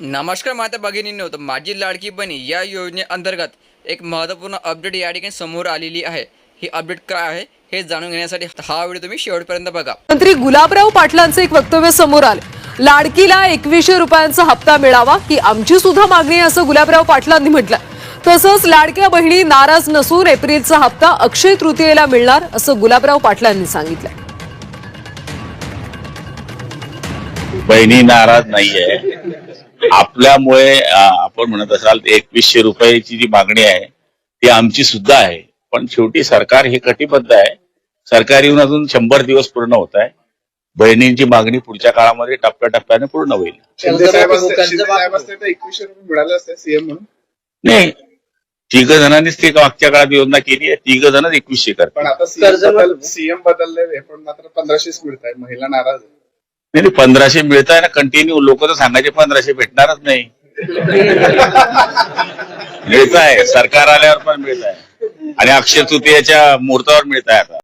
नमस्कार माता भगिनींनो, तर माझी लाडकी बहीण या योजनेअंतर्गत एक महत्त्वपूर्ण अपडेट या ठिकाणी समोर आलेली आहे। ही अपडेट काय आहे हे जाणून घेण्यासाठी हा व्हिडिओ तुम्ही शेवटपर्यंत बघा। मंत्री गुलाबराव पाटलांचे एक वक्तव्य समोर आले। लाडकीला 2100 रुपयांचा हप्ता मिळावा की आमची सुद्धा मागणी आहे असं गुलाबराव पाटलांनी म्हटलं। तसंच लाडक्या बहिणी नाराज नसून एप्रिलचा हप्ता अक्षय तृतीयेला मिळणार असं गुलाबराव पाटलांनी सांगितलं। बहिणी नाराज नाहीये। आपल्यामुळे आपण म्हणत असाल 2100 रुपयाची जी मागणी आहे ती आमची सुद्धा आहे, पण शेवटी सरकार हे कटिबद्ध आहे। सरकार येऊन अजून 100 दिवस पूर्ण होत आहे। बहिणींची मागणी पुढच्या काळामध्ये टप्प्याटप्प्याने पूर्ण होईल। सीएम म्हणून नाही, 3 जणांनीच ती मागच्या काळात योजना केली आहे। 3 जणच 2100 करतात। पण आता सीएम बदलले पण मात्र 1500 मिळत आहे, महिला नाराज आहे। नाही, 1500 मिळत आहे ना कंटिन्यू। लोक तर सांगायचे 1500 भेटणारच नाही। मिळत आहे, सरकार आल्यावर पण मिळत आहे आणि अक्षय तृतीयेच्या मुहूर्तावर मिळत आहे आता।